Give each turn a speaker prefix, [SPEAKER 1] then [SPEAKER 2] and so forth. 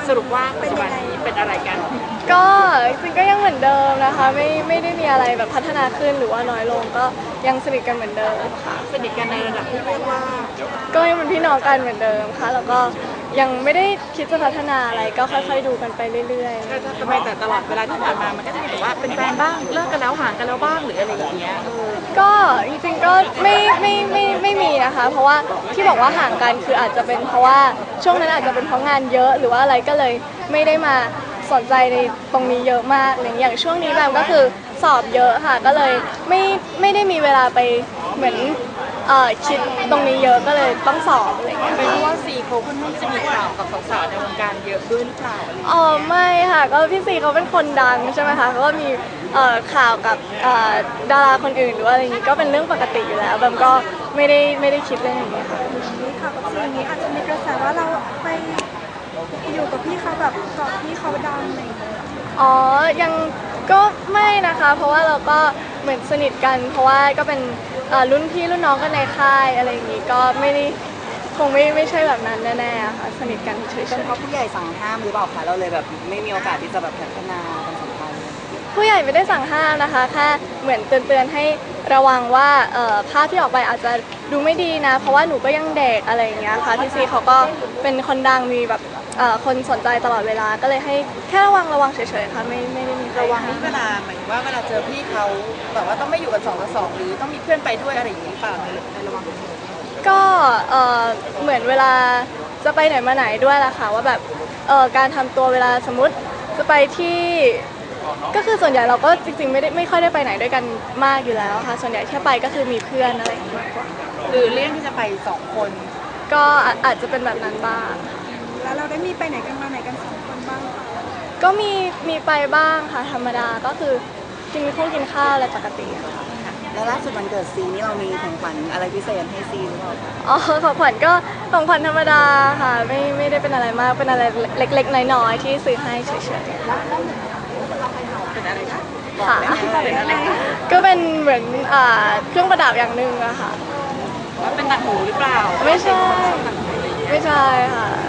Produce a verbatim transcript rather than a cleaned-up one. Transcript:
[SPEAKER 1] สรุปว่าปัจจุบันนี้เป็นอะไรกัน
[SPEAKER 2] ก็จริงก็ยังเหมือนเดิมนะคะไม่ไม่ได้มีอะไรแบบพัฒนาขึ้นหรือว่าน้อยลงก็ยังสนิทกันเหมือนเดิมค่ะ
[SPEAKER 1] สนิทกันในระดับที่เรียกว่า
[SPEAKER 2] ก็ยังเป็นพี่น้องกันเหมือนเดิมค่ะแล้วก็ยังไม่ได้คิดจะพัฒนาอะไรก็ค่อยๆดูกันไปเรื่อย
[SPEAKER 1] ก็จะทำไมแต่ตลอดเวลาที่ผ่านมามันก็จะมีแบบว่าเป็นแฟนบ้างเลิกกันแล้วห่างกันแล้วบ้างหรืออะไรอย่างเงี้ยเออ
[SPEAKER 2] ๆก็จริงๆก็ไม่ไม่ไม่ไม่มีนะคะเพราะว่าที่บอกว่าห่างกันคืออาจจะเป็นเพราะว่าช่วงนั้นอาจจะเป็นเพราะงานเยอะหรือว่าอะไรก็เลยไม่ได้มาสนใจในตรงนี้เยอะมากอะไรอย่างช่วงนี้แบบก็คือสอบเยอะค่ะก็เลยไม่ไม่ได้มีเวลาไปเหมือนเอ่อคิดตรงนี้เยอะก็เลยต้องสอบอะไรอย่างเงี้ย
[SPEAKER 1] เป็นเพราะว่าซีเขาค่อนข้างจะมีข่าวกับสาวๆในวงการเยอะด้วยหรือเปล่าอะไรอย่าง
[SPEAKER 2] อ๋อ
[SPEAKER 1] เงี้ย
[SPEAKER 2] ไม่ค่ะก็พี่ซีเขาเป็นคนดังใช่ไหมคะเขาก็มีเอ่อข่าวกับเอ่อดาราคนอื่นหรือว่าอะไรอย่างงี้ก็เป็นเรื่องปกติอยู่แล้วแบบก็ไม่ได้ไม่ได้คิดเรื่องนี้ค่ะ
[SPEAKER 3] ค่ะกับสิ่งนี้อาจจะมีกระแสว่าเราไปอยู่กับพี่เขาแบบเกาะพี่เขาดังอะไรอย่างเงี้ย
[SPEAKER 2] อ๋อยังก็ไม่นะคะเพราะว่าเราก็เหมือนสนิทกันเพราะว่าก็เป็นเอ่อรุ่นพี่รุ่นน้องกันในค่ายอะไรอย่างงี้ก็ไม่ได้คงไม่ไม่ใช่แบบนั้นแน่ๆค่ะสนิทกันเฉย
[SPEAKER 4] เป็นเพราะผู้ใหญ่สั่งห้ามหรือเปล่าคะเราเลยแบบไม่มีโอกาสที่จะแบบพัฒนาความสัมพันธ์
[SPEAKER 2] ๆผู้ใหญ่ไม่ได้สั่งห้ามนะคะแค่เหมือนเตือนๆให้ระวังว่าเอ่อภาพที่ออกไปอาจจะดูไม่ดีนะเพราะว่าหนูก็ยังเด็กอะไรอย่างเงี้ยค่ะพี่ซีเขาก็เป็นคนดังมีแบบเอ่อคนสนใจตลอดเวลาก็เลยให้แค่ระวังระวังเฉยๆค่ะไม่ไม่ได้มี
[SPEAKER 1] ระวังที่เวลาหมายถึงว่าเวลาเจอพี่เขาแบบว่าต้องไม่อยู่กันสองต่อสองหรือต้องมีเพื่อนไปด้วยอะไรอย่างนี้หรือเปล่าในในระวัง
[SPEAKER 2] ก็เอ่อเหมือนเวลาจะไปไหนมาไหนด้วยล่ะค่ะว่าแบบเอ่อการทำตัวเวลาสมมติจะไปที่ก็คือส่วนใหญ่เราก็จริงๆไม่ได้ไม่ค่อยได้ไปไหนด้วยกันมากอยู่แล้วค่ะส่วนใหญ่แค่ไปก็คือมีเพื่อนอะไรอย่างเงี้ยมากกว่า
[SPEAKER 1] หรือเลี่ยงที่จะไปสองคน
[SPEAKER 2] ก็อาจจะเป็นแบบนั้นบ้าง
[SPEAKER 3] แล้วเราได้มีไปไหนกันมาไหนกันสองคนบ้างหรือเปล่า
[SPEAKER 2] ก็มีมีไปบ้างค่ะธรรมดาก็คือกินข้าวกินข้าวอะไรปกติค่ะ
[SPEAKER 4] แล้วล่าสุดวันเกิดซีนี่เรามีของขวัญอะไรพิเศษให้ซีหรือเปล่าคะ
[SPEAKER 2] อ๋อของขวัญก็ของขวัญธรรมดาค่ะไม่ไม่ได้เป็นอะไรมากเป็นอะไรเล็กๆน้อยๆที่ซื้อให้เฉยๆ
[SPEAKER 1] เป็นอะไรคะ
[SPEAKER 2] ค่ะก็เป็นเหมือนอ่าเครื่องประดับอย่างหนึ่งอะค่ะ
[SPEAKER 1] ว่าเป็นต่างหูหรือเปล่า
[SPEAKER 2] ไม่ใช่ไม่ใช่ค่ะ